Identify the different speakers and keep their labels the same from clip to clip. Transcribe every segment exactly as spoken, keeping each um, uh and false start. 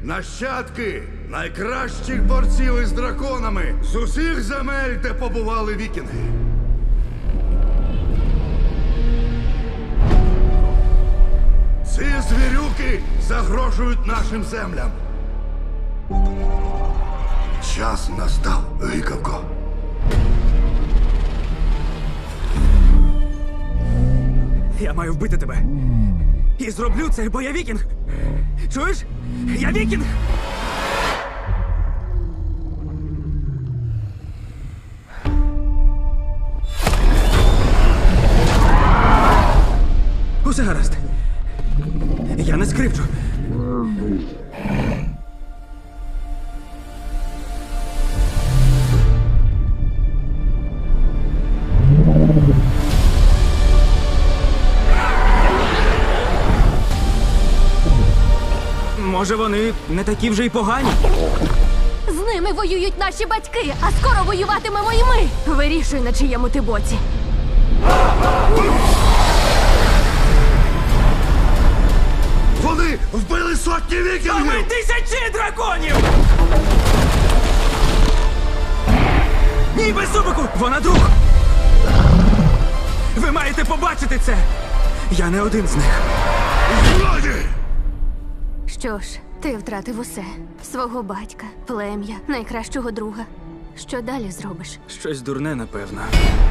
Speaker 1: Нащадки найкращих борців із драконами з усіх земель, де побували вікінги. Ці звірюки загрожують нашим землям. Час настав, гикавко.
Speaker 2: Я маю вбити тебе. І зроблю це, бо я вікінг. Чуєш? Я вікінг! Усе гаразд. Я не скривчу. Може, вони не такі вже й погані?
Speaker 3: З ними воюють наші батьки, а скоро воюватимемо і ми. Вирішуй, на чиєму ти боці.
Speaker 1: Вони вбили сотні
Speaker 2: А ми
Speaker 1: вікінгів!
Speaker 2: тисячі драконів! Ні, без зубику! Вона друг! Ви маєте побачити це! Я не один з них.
Speaker 1: Злоді!
Speaker 3: Що ж, ти втратив усе. Свого батька, плем'я, найкращого друга. Що далі зробиш?
Speaker 2: Щось дурне, напевно.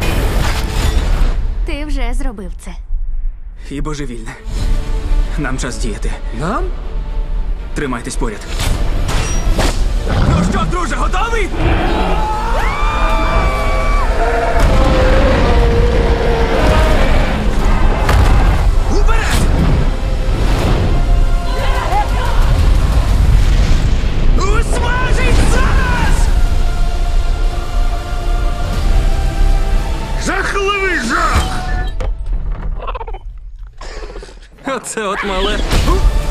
Speaker 3: Ти вже зробив це.
Speaker 2: І божевільне. Нам час діяти.
Speaker 4: Нам?
Speaker 2: Тримайтесь поряд. Ну що, друже, готовий? Уперед! Усмажить зараз!
Speaker 1: Жахливий жах!
Speaker 2: Оце от мале.